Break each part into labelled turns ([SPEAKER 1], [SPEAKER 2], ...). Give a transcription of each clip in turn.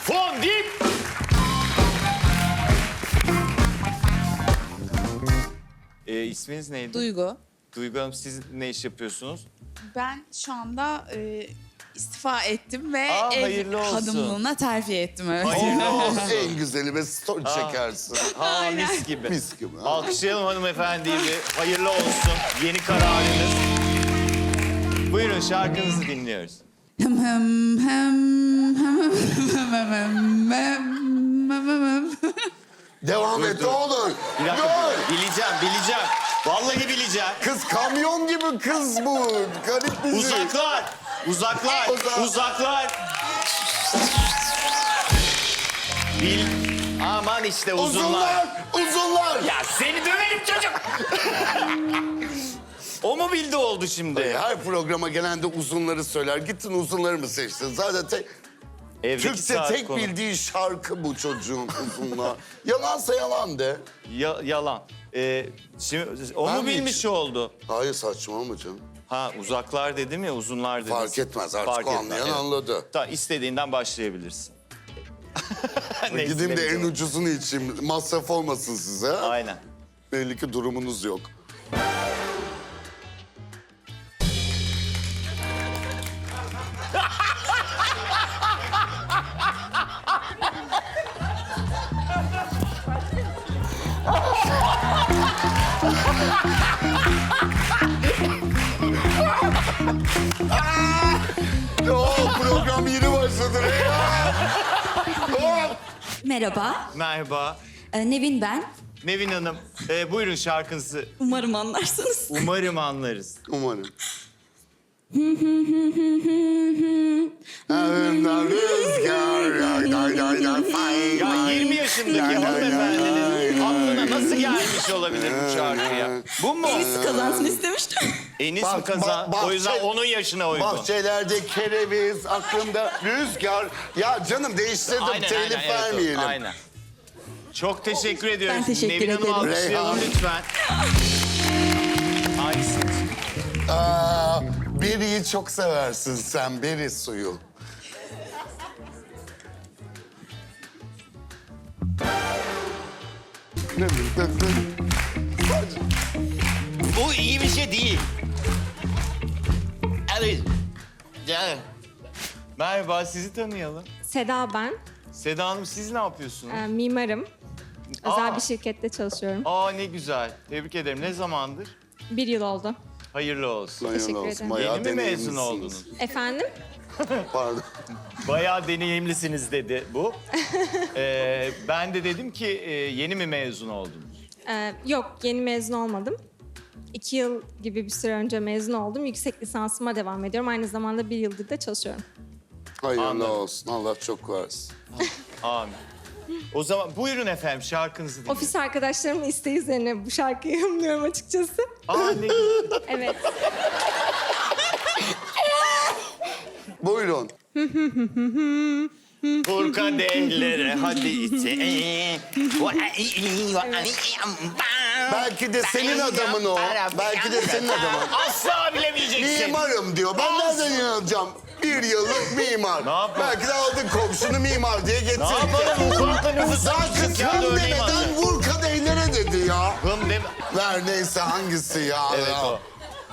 [SPEAKER 1] Fondip. İsminiz neydi?
[SPEAKER 2] Duygu.
[SPEAKER 1] Duygu Hanım, siz ne iş yapıyorsunuz?
[SPEAKER 2] Ben şu anda istifa ettim ve
[SPEAKER 1] Aa,
[SPEAKER 2] ev
[SPEAKER 1] hayırlı olsun.
[SPEAKER 2] hanımlığına terfi ettim. Evet.
[SPEAKER 1] Hayırlı olsun.
[SPEAKER 3] En güzeli ve story çekersin.
[SPEAKER 1] Ha, mis gibi.
[SPEAKER 3] Mis gibi. ha.
[SPEAKER 1] Alkışlayalım hanımefendiyi bir. Hayırlı olsun. Yeni kararınız. Buyurun, şarkınızı dinliyoruz.
[SPEAKER 2] Hem hem hem hem hem hem hem hem.
[SPEAKER 3] Devam et ne olur.
[SPEAKER 1] Bir dakika,
[SPEAKER 3] Dur.
[SPEAKER 1] bileceğim. Vallahi bileceğim.
[SPEAKER 3] Kız kamyon gibi kız bu. Garip bir şey.
[SPEAKER 1] Uzaklar. Bil. Aman işte uzunlar.
[SPEAKER 3] Uzunlar.
[SPEAKER 1] Ya seni döverim çocuk. O mu bildi oldu şimdi?
[SPEAKER 3] Her programa gelen de uzunları söyler. Gittin uzunları mı seçtin? Zaten
[SPEAKER 1] Evdeki
[SPEAKER 3] Türkçe
[SPEAKER 1] saat
[SPEAKER 3] tek
[SPEAKER 1] konu.
[SPEAKER 3] bildiği şarkı bu çocuğun uzunlar. Yalansa yalan de.
[SPEAKER 1] Yalan. Şimdi o
[SPEAKER 3] Ben
[SPEAKER 1] mu
[SPEAKER 3] mi
[SPEAKER 1] bilmiş
[SPEAKER 3] için?
[SPEAKER 1] oldu?
[SPEAKER 3] Hayır saçmalama canım.
[SPEAKER 1] Ha, uzaklar dedim ya, uzunlar dedim.
[SPEAKER 3] Fark etmez artık o anlayan anladı.
[SPEAKER 1] Tamam, istediğinden başlayabilirsin. Neyse,
[SPEAKER 3] Gideyim de
[SPEAKER 1] ne
[SPEAKER 3] en
[SPEAKER 1] diyeceğim.
[SPEAKER 3] ucuzunu içeyim. Masraf olmasın size.
[SPEAKER 1] Aynen.
[SPEAKER 3] Belli ki durumunuz yok. Program yeni başladı.
[SPEAKER 4] Merhaba,
[SPEAKER 1] Merhaba.
[SPEAKER 4] Nevin ben.
[SPEAKER 1] Nevin Hanım, buyurun şarkınızı.
[SPEAKER 4] Umarım anlarsınız.
[SPEAKER 1] Umarım anlarız.
[SPEAKER 3] Umarım. Evimden rüzgar, yay, yay, yay, yay, fay,
[SPEAKER 1] Ya
[SPEAKER 3] fay.
[SPEAKER 1] 20 yaşındaki
[SPEAKER 3] Lay, lay, lay,
[SPEAKER 1] hanımefendinin
[SPEAKER 3] lay,
[SPEAKER 1] aklına
[SPEAKER 3] lay.
[SPEAKER 1] nasıl gelmiş olabilir bu şarkıya? Bu mu?
[SPEAKER 4] Birisi kazansın istemiştim.
[SPEAKER 1] Enis
[SPEAKER 3] Bak,
[SPEAKER 1] mi kazan?
[SPEAKER 3] bak,
[SPEAKER 1] O yüzden
[SPEAKER 3] bahçe-
[SPEAKER 1] onun yaşına uygun.
[SPEAKER 3] Bahçelerde kereviz, aklımda rüzgar. Ya canım değiştirdim, telif
[SPEAKER 1] evet,
[SPEAKER 3] vermeyelim.
[SPEAKER 1] aynen. Çok teşekkür ediyoruz.
[SPEAKER 4] Ben teşekkür
[SPEAKER 1] Nevin Hanım'ı
[SPEAKER 4] ederim.
[SPEAKER 1] alkışlayalım
[SPEAKER 3] Reyhan.
[SPEAKER 1] lütfen. Hangisi?
[SPEAKER 3] Beri'yi çok seversin sen, beri suyu.
[SPEAKER 1] Bu iyi bir şey değil. Evet. Canım. Merhaba, sizi tanıyalım.
[SPEAKER 5] Seda ben.
[SPEAKER 1] Seda Hanım, siz ne yapıyorsunuz?
[SPEAKER 5] Mimarım. Özel
[SPEAKER 1] Aa.
[SPEAKER 5] bir şirkette çalışıyorum.
[SPEAKER 1] Aa, ne güzel. Tebrik ederim. Ne zamandır?
[SPEAKER 5] 1 yıl oldu.
[SPEAKER 1] Hayırlı olsun.
[SPEAKER 3] Hayırlı
[SPEAKER 5] Teşekkür
[SPEAKER 3] olsun,
[SPEAKER 5] ederim.
[SPEAKER 3] bayağı
[SPEAKER 1] Yeni mi mezun
[SPEAKER 3] deneyimlisiniz.
[SPEAKER 1] oldunuz?
[SPEAKER 5] Efendim?
[SPEAKER 3] Pardon.
[SPEAKER 1] Bayağı deneyimlisiniz dedi bu. Ben de dedim ki yeni mi mezun oldunuz?
[SPEAKER 5] Yok, yeni mezun olmadım. 2 yıl gibi bir süre önce mezun oldum. Yüksek lisansıma devam ediyorum. Aynı zamanda 1 yıldır da çalışıyorum.
[SPEAKER 3] Hayırlı
[SPEAKER 1] Anladım.
[SPEAKER 3] olsun, Allah çok versin.
[SPEAKER 1] Amin. O zaman buyurun efendim, şarkınızı dinleyin.
[SPEAKER 5] Ofis arkadaşlarımın isteği üzerine bu şarkıyı yorumluyorum açıkçası.
[SPEAKER 1] Aa, ne güzel.
[SPEAKER 5] Evet.
[SPEAKER 3] Buyurun.
[SPEAKER 1] Vur kadehlere hadi içe.
[SPEAKER 3] Belki de senin adamın o. Belki de senin adamın.
[SPEAKER 1] Asla bilemeyeceksin.
[SPEAKER 3] Mimarım diyor. Ben nereden inanacağım? 1 yıllık mimar.
[SPEAKER 1] Ne yapalım?
[SPEAKER 3] Belki de aldın komşunu mimar diye getirdin.
[SPEAKER 1] Ne yapalım? Mutfakta nüfus
[SPEAKER 3] Daha
[SPEAKER 1] almışız
[SPEAKER 3] kız
[SPEAKER 1] ya,
[SPEAKER 3] hım
[SPEAKER 1] örneğin
[SPEAKER 3] demeden
[SPEAKER 1] aldı.
[SPEAKER 3] vur kadehlere dedi ya.
[SPEAKER 1] Hım deme.
[SPEAKER 3] Ver neyse hangisi ya.
[SPEAKER 1] Evet
[SPEAKER 3] ya.
[SPEAKER 1] o.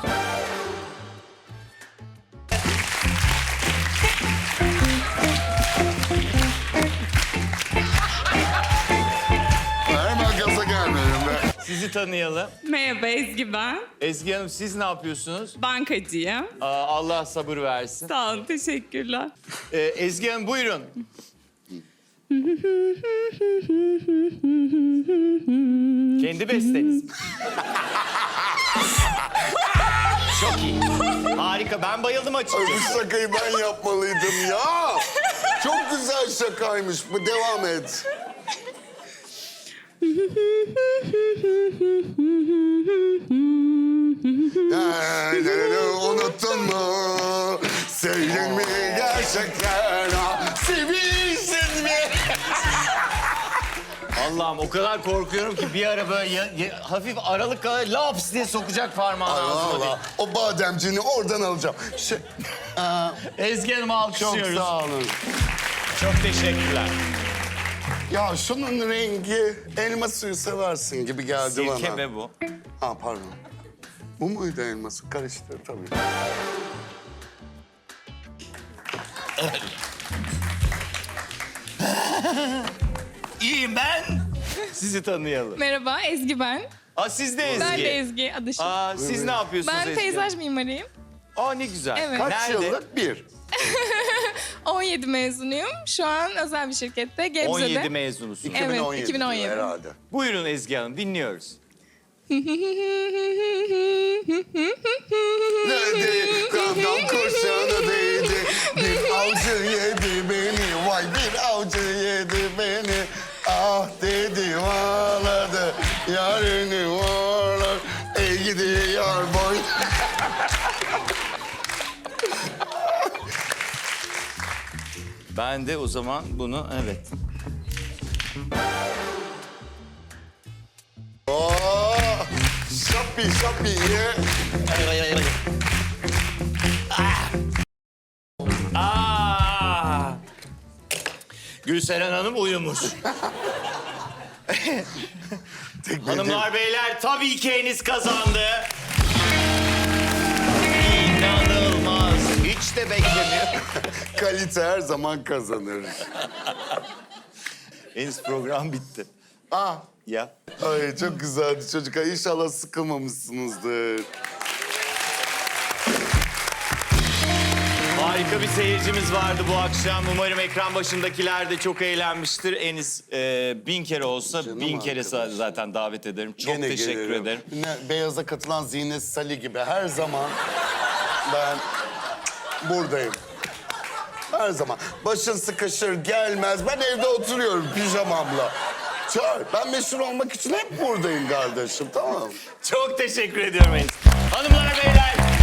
[SPEAKER 3] Hemen gaza gelmedim be.
[SPEAKER 1] Sizi tanıyalım.
[SPEAKER 6] Merhaba Ezgi ben.
[SPEAKER 1] Ezgi Hanım, siz ne yapıyorsunuz?
[SPEAKER 6] Bankacıyım.
[SPEAKER 1] Allah sabır versin.
[SPEAKER 6] Sağ olun, teşekkürler.
[SPEAKER 1] Ezgi Hanım, buyurun. Kendi besteniz. Çok iyi. Harika. Ben bayıldım
[SPEAKER 3] Bu
[SPEAKER 1] açıkçası.
[SPEAKER 3] şakayı ben yapmalıydım ya. Çok güzel şakaymış bu. Devam et. Unuttun mu? Sevdin mi gerçekten? Sevilsin mi?
[SPEAKER 1] Allah'ım, o kadar korkuyorum ki bir ara böyle hafif aralık kadar laps diye sokacak parmağını ağzıma diye.
[SPEAKER 3] Allah, o bademciğini oradan alacağım.
[SPEAKER 1] Ezgi Hanım'ı
[SPEAKER 3] Çok
[SPEAKER 1] alkışlıyoruz.
[SPEAKER 3] sağ olun.
[SPEAKER 1] Çok teşekkürler.
[SPEAKER 3] Ya şunun rengi elma suyu seversin gibi geldi bana.
[SPEAKER 1] Sirke ve bu.
[SPEAKER 3] Ha pardon. Bu muydu elma suyu? Karıştı tabii.
[SPEAKER 1] İyiyim ben. Sizi tanıyalım.
[SPEAKER 6] Merhaba, Ezgi ben.
[SPEAKER 1] Aa, siz de Ezgi.
[SPEAKER 6] Ben de Ezgi, adışım.
[SPEAKER 1] Aa, siz ne yapıyorsunuz
[SPEAKER 6] Ben
[SPEAKER 1] Ezgi?
[SPEAKER 6] peyzaj mimarıyım.
[SPEAKER 1] Aa, ne güzel.
[SPEAKER 6] Evet.
[SPEAKER 3] Kaç
[SPEAKER 1] Nerede?
[SPEAKER 3] yıllık bir?
[SPEAKER 6] 17 mezunuyum. Şu an özel bir şirkette, Gebze'de.
[SPEAKER 1] 17 mezunusunuz.
[SPEAKER 6] Evet,
[SPEAKER 3] 2017
[SPEAKER 6] 2017.
[SPEAKER 3] herhalde.
[SPEAKER 1] Buyurun Ezgi Hanım, dinliyoruz.
[SPEAKER 3] Neydi? Kandan kurşunu değdi. Bir avcı yedi beni. Vay bir avcı yedi beni. Ah dedi ağladı. Yarını varlar. Ey gidi yar boy.
[SPEAKER 1] Ben de o zaman bunu, evet.
[SPEAKER 3] Oh, şapi şapi ye.
[SPEAKER 1] Aa! Gülseren Hanım uyumuş. Hanımlar beyler, tabii ki Enis kazandı. İnanılmaz. Hiç de beklemiyor.
[SPEAKER 3] Kalite her zaman kazanır.
[SPEAKER 1] Enis, program bitti.
[SPEAKER 3] Ah,
[SPEAKER 1] Ya.
[SPEAKER 3] ay çok güzeldi çocuklar. İnşallah sıkılmamışsınızdır.
[SPEAKER 1] Harika bir seyircimiz vardı bu akşam. Umarım ekran başındakiler de çok eğlenmiştir. Enis 1000 kere olsa
[SPEAKER 3] Canım
[SPEAKER 1] 1000 kere
[SPEAKER 3] arkadaş.
[SPEAKER 1] zaten davet ederim. Çok
[SPEAKER 3] Gene
[SPEAKER 1] teşekkür
[SPEAKER 3] gelirim.
[SPEAKER 1] ederim.
[SPEAKER 3] Beyaza katılan Zine Salih gibi her zaman ben buradayım. Her zaman. Başın sıkışır gelmez. Ben evde oturuyorum pijamamla. Çağır. Ben meşhur olmak için hep buradayım kardeşim, tamam mı?
[SPEAKER 1] Çok teşekkür ediyorum Enis. Hanımlar beyler,